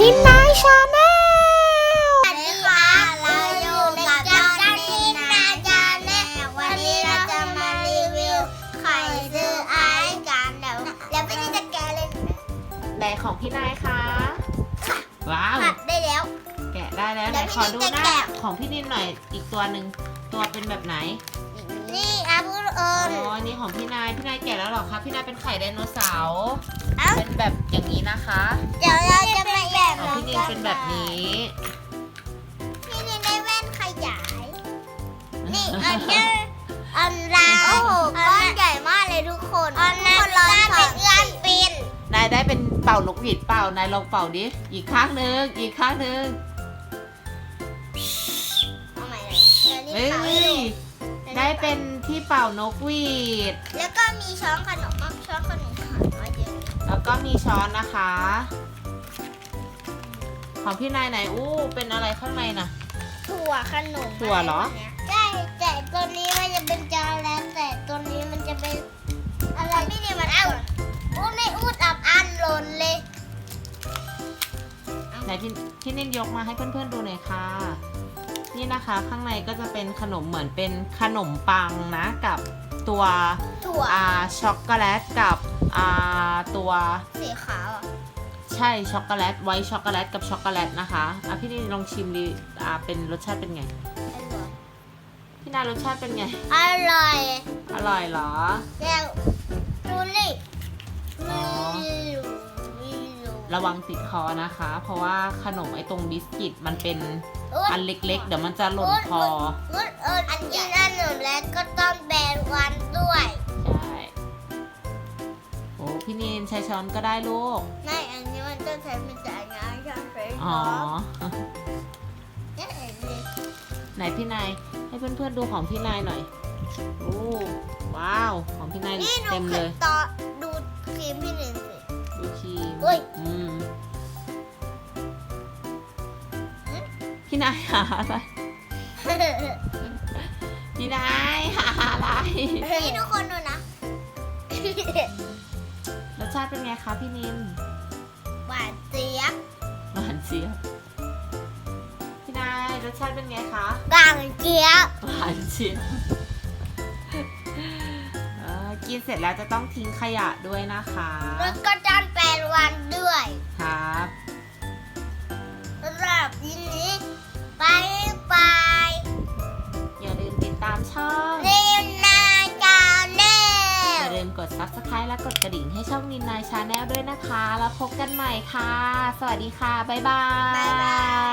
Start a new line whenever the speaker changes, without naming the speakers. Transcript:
นินนายชาแนล
สวัสดีค่ะเราอยู่กับจอนนี่นาจาแนลวันนี้เราจะมารีวิวไข่ซื้อไอซ์กันแล้วไม่ได้จะแกะเลย
ไหนของพี่นายคะว้าว
ผัดได้แล้ว
แกะได้แล้วไหนขอดูหน้าของพี่นินหน่อยอีกตัวหนึ่งตัวเป็นแบบไหน
นี่อาบุญเอิ
อ๋
ญ
อนี่ของพี่นายแกะแล้วเหรอคะพี่นายเป็นไข่ไดโนเสาร์เป็นแบบอย่างนี้นะคะ
เดี๋ยวเราจะมาแกะ
ของพี่นินเป็นแบบนี้
พี่นินได้แว่นขยายนี่อันนี้อันลาโอ้โหก้อนใหญ่มากเลยทุกคนอันนั้นลองเป็นเอื้อนปิน
นายได้เป็นเป่านกหวีดเป่านายลองเป่าดิอีกข้างหนึ่ง
เอาใหม่เลยเดี๋ยวนี้
เฮ้
เป่าให้
ย
ดู
ได้เป็นที่เป่านกหวีด
แล้วก็มีช้อนขนมช้อนขนมหายมาเยอะ
แล้วก็มีช้อนนะคะ ของพี่นายไหนอู้เป็นอะไรข้างในน่ะ
ถั่วขนม
ถั่วเหรอ
ใช่แต่ตัวนี้มันจะเป็นจานแล้วแต่ตัวนี้มันจะเป็นอะไรพี่เนี่ยมันเอาอู้ในอู้ตับอันหล่นเลย
ไหนพี่นิ่มยกมาให้เพื่อนๆดูหน่อยค่ะ นี่นะคะข้างในก็จะเป็นขนมเหมือนเป็นขนมปังนะกับตัว
ถั่ว
ช็อกโกแลตกับตัว
สีขาวอ่ะ
ใช่ช็อกโกแลตไวท์ช็อกโกแลตกับช็อกโกแลตนะคะพี่นิ่มลองชิมดิเป็นรสชาติเป็นไงพี่นายรสชาติเป็นไง
อร่อย
อร่อยเหรอ
แล้วดูนี่
อ๋อ ระวังติดคอนะคะ เพราะว่าขนมไอ้ตรงบิสกิตมันเป็นอันเล็กๆเดี๋ยวมันจะหล่นคอ
อันกินอันหนึ่งแล้วก็ต้องแบนวันด้วย
ใช่โอ้พี่นีนใช้ช้อนก็ได้ลูก
ไม่อันนี้มันต้องใช้เป็นจานงานช้อนใช้
อ๋อ
เนี่ยเห็นเลย
ไหนพี่นายให้เพื่อนๆดูของพี่นายหน่อยโอ้ว้าวของพี่นาย
นี่
เต็มเลย
ดูครีมพี่หนึ่งสิ
ดูครีม
เฮ้ย
พี่นายหาอะไรพี่นายหาอะไร
นี่ทุกคนดูนะ
รสชาติเป็นไงคะพี่นิน
หวานเจี๊ยบ
หวานเจี๊ยบพี่นายรสชาติเป็นไงคะ
กลางเจี๊ยบ
หวานเจี๊ยบกินเสร็จแล้วจะต้องทิ้งขยะด้วยนะคะ
แล้วก็จานแปดวันด้วย
ครับ
สำหรับยินนี้ไปไป
อย่าลืมติดตามช่อง
เรียนนาจาแน
อ
ล
ย่าลืมกด subscribe และกดกระดิ่งให้ช่องนินนายชาแนลด้วยนะคะ แล้วพบกันใหม่ค่ะ สวัสดีค่ะ บ๊ายบาย
บ๊ายบาย